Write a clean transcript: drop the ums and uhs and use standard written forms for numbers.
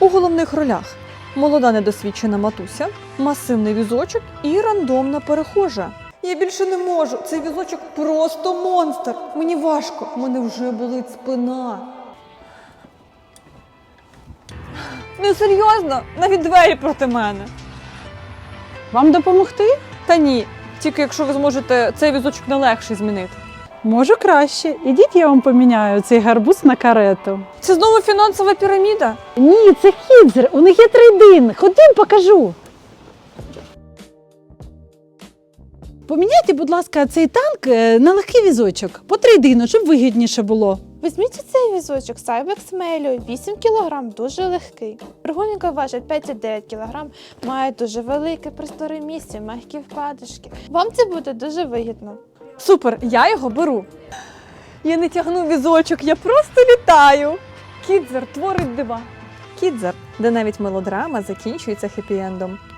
У головних ролях молода недосвідчена матуся, масивний візочок і рандомна перехожа. Я більше не можу, цей візочок просто монстр. Мені важко, в мене вже болить спина. Не серйозно, навіть двері проти мене. Вам допомогти? Та ні, тільки якщо ви зможете цей візочок на легший змінити. Можу краще. Ідіть, я вам поміняю цей гарбуз на карету. Це знову фінансова піраміда? Ні, це Кідзер, у них є трейдин. Ходім, покажу. Поміняйте, будь ласка, цей танк на легкий візочок. По трейдину, щоб вигідніше було. Візьміть цей візочок Cybex Melio, 8 кг, дуже легкий. Прогулянка важить 5,9 кг, має дуже велике просторе місце, м'які вкладишки. Вам це буде дуже вигідно. Супер, я його беру. Я не тягну візочок, я просто літаю. Кідзер творить дива. Кідзер, де навіть мелодрама закінчується хеппі-ендом.